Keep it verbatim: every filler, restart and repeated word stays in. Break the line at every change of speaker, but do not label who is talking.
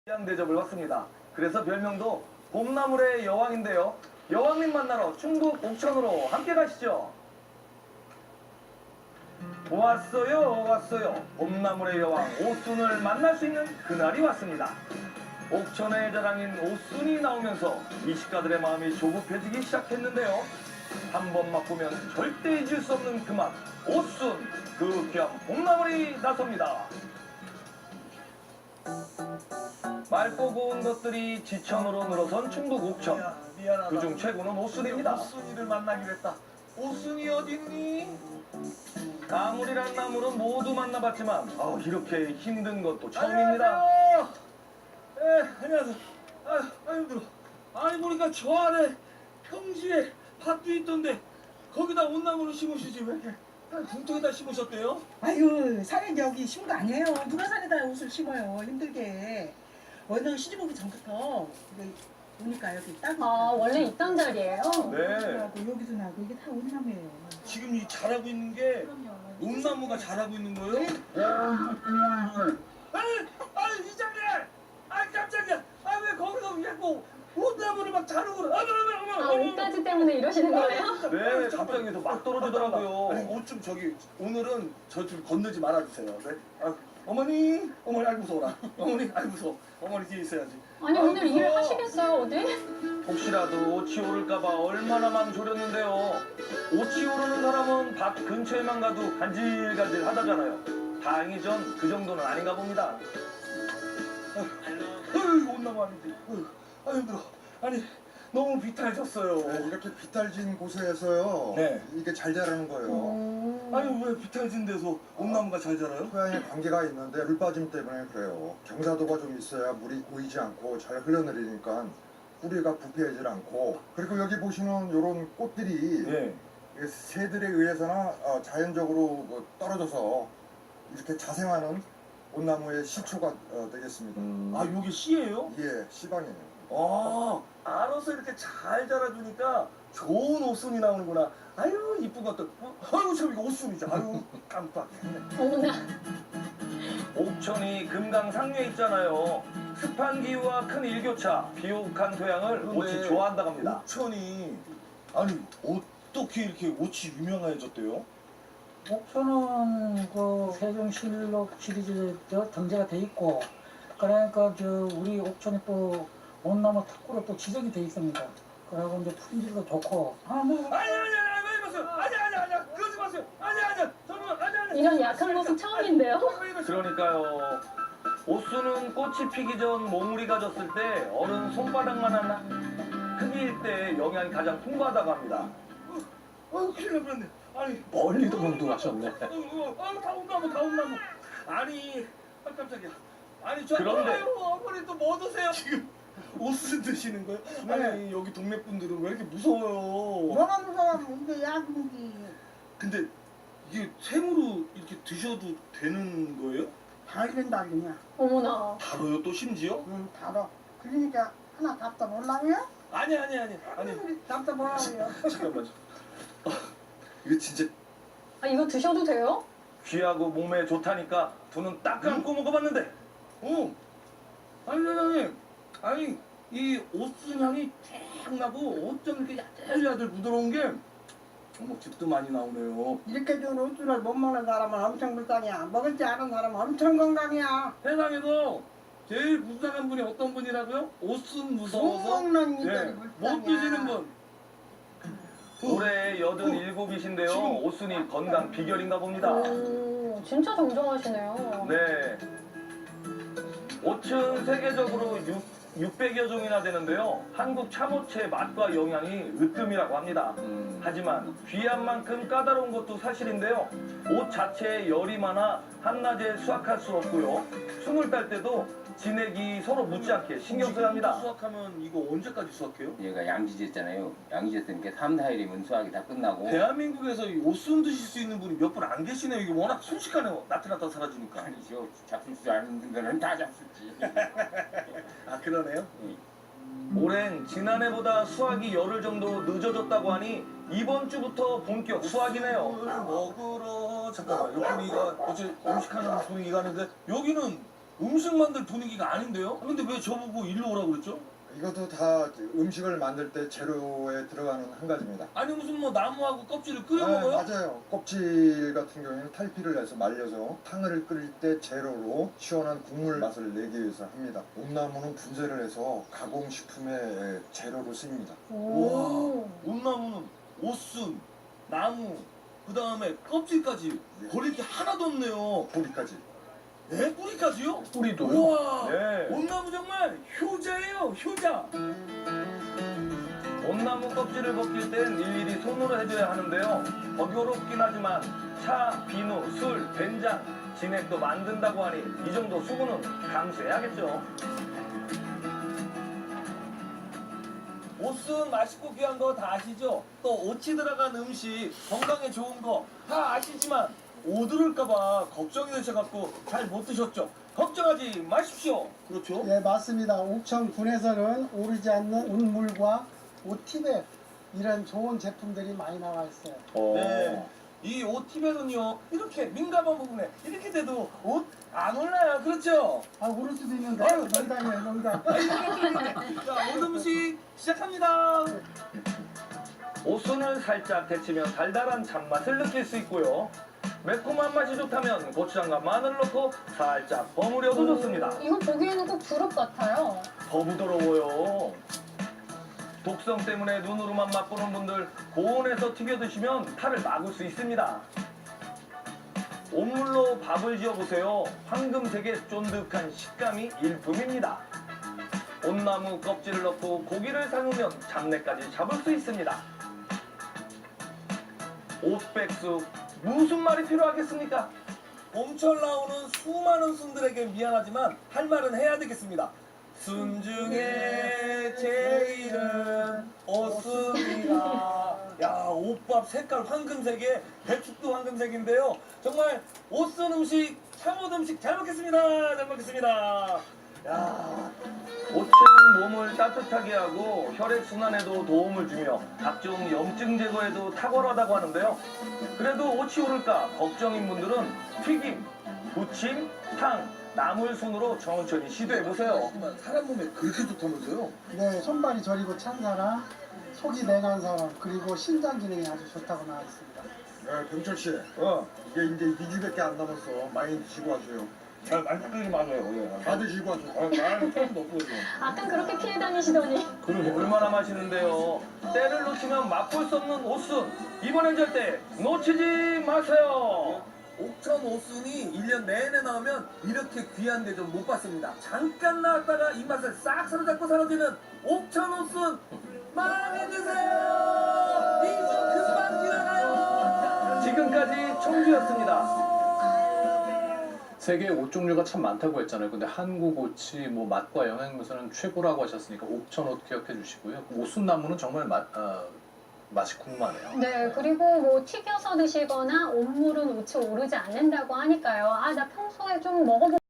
귀한 대접을 받습니다. 그래서 별명도 봄나물의 여왕인데요. 여왕님 만나러 충북 옥천으로 함께 가시죠. 왔어요 왔어요. 봄나물의 여왕 오순을 만날 수 있는 그날이 왔습니다. 옥천의 자랑인 오순이 나오면서 미식가들의 마음이 조급해지기 시작했는데요. 한 번 맛보면 절대 잊을 수 없는 그 맛, 오순, 그 귀한 봄나물이 나섭니다. 맑고 고운 것들이 지천으로 늘어선 충북 옥천.
야, 미안하다.
그중 최고는 오순입니다.
오순이를 만나기로 했다. 오순이 어딨니?
나물이란 나물은 모두 만나봤지만 아, 이렇게 힘든 것도 처음입니다.
안녕하세요. 예, 안녕하세요. 아유, 아유 힘들어. 아니 보니까 저 안에 평지에 밭도 있던데 거기다 온나무를 심으시지 왜 이렇게 붕통에다 심으셨대요?
아유, 산에 여기 심은 거 아니에요. 누가 산에다 옷을 심어요. 힘들게. 원래 시집 오기 전부터 이거 오니까 여기 따고.
아, 원래 있던 자리예요?
네.
하고 여기도 나고 이게 다 온나무예요.
지금 이 자라고 있는 게
그럼요.
온나무가 자라고 있는 거예요?
네.
아니, 아니 이장님! 아니 깜짝이야! 아니 왜 거기서 자꾸 온나무를 막 자르고 그래? 아니, 아니, 아니,
아, 옷가지 때문에 이러시는 거예요?
네, 갑자기 막 떨어지더라고요.
아니 옷 좀 저기 오늘은 저 좀 건너지 말아주세요. 네? 아, 어머니, 어머니 아이 무서워라. 어머니 아이 무서워. 어머니 뒤에 있어야지.
아니,
아유,
오늘 일을
무서워.
하시겠어요, 어디?
혹시라도 옷이 오를까봐 얼마나 맘 졸였는데요. 옷이 오르는 사람은 밭 근처에만 가도 간질간질 하다잖아요. 다행히 전 그 정도는 아닌가 봅니다.
아유 온나무 아닌데. 아유, 아유 힘들어. 아니 너무 비탈졌어요.
네, 이렇게 비탈진 곳에서요.
네.
이게 잘 자라는 거예요.
음...
아니 왜 비탈진 데서 온나무가 잘 자라요?
토양에 관계가 있는데 물 빠짐 때문에 그래요. 경사도가 좀 있어야 물이 고이지 않고 잘 흘러내리니까 뿌리가 부패하지 않고. 그리고 여기 보시는 이런 꽃들이
네.
이게 새들에 의해서나 어, 자연적으로 뭐 떨어져서 이렇게 자생하는 온나무의 시초가 어, 되겠습니다.
아 여기 씨예요?
예, 시방이에요.
아 알아서 이렇게 잘 자라주니까 좋은 옷순이 나오는구나. 아유 이쁜 것들. 어? 아유 참 이거 옷순이죠. 아유 깜빡했네.
어머나.
옥천이 금강상류에 있잖아요. 습한 기후와 큰 일교차, 비옥한 토양을 옷이 좋아한다고 합니다.
옥천이 아니 어떻게 이렇게 옷이 유명해졌대요?
목표는 그 세종실록 시리즈 저 등재가 돼 있고, 그러니까 저 우리 옥천이 또 온나무 특구로 또 지정이 돼 있습니다. 그리고 이제 품질도 좋고.
아, 뭐.
아니 아니 아니 왜 이러세요? 아니 아니 아니 그러지 마세요. 아니 아니 저는 아니 아니
이런 약한 모습 처음인데요?
그러니까요. 오순은 꽃이 피기 전 몽우리가 졌을 때 어른 손바닥만한 크기일 때 영양이 가장 풍부하다고 합니다.
어 큰일 날 뻔했네. 아니
멀리 도망도가셨네.
아다 온나무 다 온나무. 아니 아 깜짝이야. 아니 저
그런데-
아유, 어머니 또 뭐 드세요? 지금 옷을 드시는 거예요?
네.
아니 여기 동네 분들은 왜 이렇게 무서워요?
뭐가 무서워? 이게 약국이.
근데 이게 생으로 이렇게 드셔도 되는 거예요?
달긴 달리냐.
어머나.
바로요 또 심지어?
응, 달아. 그러니까 하나 답답 올라요?
아니 아니 아니 아니
답답 올라요.
잠깐만요. 아, 이거 진짜
아, 이거 드셔도 돼요?
귀하고 몸에 좋다니까 두 눈 딱 감고 먹어봤는데
어 아니 사장님 아니 이 옷순 향이 쫙 나고 어쩜 이렇게 야들야들 부드러운 게 어머 즙도 많이 나오네요.
이렇게 좋은 옷줄을 못 먹는 사람은 엄청 불쌍이야. 먹을 줄 아는 사람은 엄청 건강이야.
세상에서 제일 불쌍한 분이 어떤 분이라고요? 옷순
못
무서워서
먹는 이들이
네,
불쌍이야.
못 드시는 분.
올해 여든일곱이신데요.
지금-
오순이 건강 비결인가 봅니다.
오, 진짜 정정하시네요.
네. 옷은 세계적으로 육백여 종이나 되는데요. 한국 참옷의 맛과 영양이 으뜸이라고 합니다. 하지만 귀한 만큼 까다로운 것도 사실인데요. 옷 자체에 열이 많아 한낮에 수확할 수 없고요. 숨을 딸 때도 진액이 서로 묻지 않게 신경 써야 합니다.
수확하면 이거 언제까지 수확해요?
얘가 양지제잖아요. 양지제니까 삼, 사 일이면 수확이 다 끝나고.
대한민국에서 이 옷순 드실 수 있는 분이 몇 분 안 계시네요. 이게 워낙 순식간에 나타났다 사라지니까.
아니죠. 잡술 줄 아는 거는 다 잡수지.
아 그러네요.
올해는 지난해보다 수확이 열흘 정도 늦어졌다고 하니 이번 주부터 본격 수확이네요.
옷을 먹으러 잠깐만 이 분위기가 어째 음식하는 분위기가 하는데 여기는 음식 만들 분위기가 아닌데요? 근데 왜 저보고 일로 오라고 그랬죠?
이것도 다 음식을 만들 때 재료에 들어가는 한 가지입니다.
아니 무슨 뭐 나무하고 껍질을 끓여
네,
먹어요?
맞아요. 껍질 같은 경우에는 탈피를 해서 말려서 탕을 끓일 때 재료로 시원한 국물 맛을 내기 위해서 합니다. 온나무는 분쇄를 해서 가공식품의 재료로 쓰입니다.
오.
온나무는 옷순, 나무, 그 다음에 껍질까지 버릴 게 하나도 없네요.
고기까지.
네? 뿌리까지요?
뿌리도요?
우와!
네.
온나무 정말 효자예요, 효자!
온나무 껍질을 벗길 땐 일일이 손으로 해줘야 하는데요. 번거롭긴 하지만 차, 비누, 술, 된장, 진액도 만든다고 하니 이 정도 수고는 감수해야겠죠.
옷은 맛있고 귀한 거 다 아시죠? 또 옷이 들어간 음식, 건강에 좋은 거 다 아시지만 오드를까봐 걱정이 되셔갖고 잘 못 드셨죠? 걱정하지 마십시오. 그렇죠?
예, 맞습니다. 옥천 군에서는 오르지 않는 옷물과 옷티백 이런 좋은 제품들이 많이 나와 있어요.
네. 이 옷티백은요, 이렇게 민감한 부분에 이렇게 돼도 옷 안 올라요. 그렇죠?
아, 오를 수도 있는데
아유,
농담이에요, 농담.
자, 옷 음식 시작합니다.
옷순을 살짝 데치면 달달한 잔맛을 느낄 수 있고요. 매콤한 맛이 좋다면 고추장과 마늘 넣고 살짝 버무려도 좋습니다.
이거 보기에는 꼭 두릅 같아요.
더 부드러워요. 독성 때문에 눈으로만 맛보는 분들 고온에서 튀겨 드시면 탈을 막을 수 있습니다. 온물로 밥을 지어보세요. 황금색의 쫀득한 식감이 일품입니다. 온나무 껍질을 넣고 고기를 삶으면 잡내까지 잡을 수 있습니다. 옷백숙 무슨 말이 필요하겠습니까?
봄철 나오는 수많은 순들에게 미안하지만 할 말은 해야 되겠습니다. 순 중에 제일은 옷순이다. 야, 옷밥 색깔 황금색에 배축도 황금색인데요. 정말 옷순 음식, 참옷 음식 잘 먹겠습니다. 잘 먹겠습니다. 야,
옷은 몸을 따뜻하게 하고 혈액순환에도 도움을 주며 각종 염증 제거에도 탁월하다고 하는데요. 그래도 옷이 오를까 걱정인 분들은 튀김, 부침, 탕, 나물순으로 천천히 시도해보세요.
사람 몸에 그렇게 좋다면서요?
네, 손발이 저리고 찬 사람, 속이 냉한 사람, 그리고 신장 기능이 아주 좋다고 나와 있습니다.
네, 병철 씨.
어,
이게 이제 이 주밖에 안 남았어. 많이 드시고 하세요.
잘 만들지 마세요. 예.
다 드시고 하세요.
아, 말 조금 넣고 해줘.
아까 그렇게 피해 다니시더니.
얼마나 맛있는데요. 때를 놓치면 맛볼 수 없는 옷순. 이번엔 절대 놓치지 마세요.
옥천 옷순이 일 년 내내 나오면 이렇게 귀한 대접 못 받습니다. 잠깐 나왔다가 이 맛을 싹 사로잡고 사라지는 옥천 옷순 많이 드세요. 이주 금방 지나가요.
지금까지 청주였습니다.
세계에 옷 종류가 참 많다고 했잖아요. 근데 한국 옷이 뭐 맛과 영양면에서는 최고라고 하셨으니까 옥천 옷 기억해 주시고요. 옷순나무는 정말 맛, 어, 맛이 궁금하네요.
네, 그리고 뭐 튀겨서 드시거나 온물은 옷이 오르지 않는다고 하니까요. 아, 나 평소에 좀 먹어보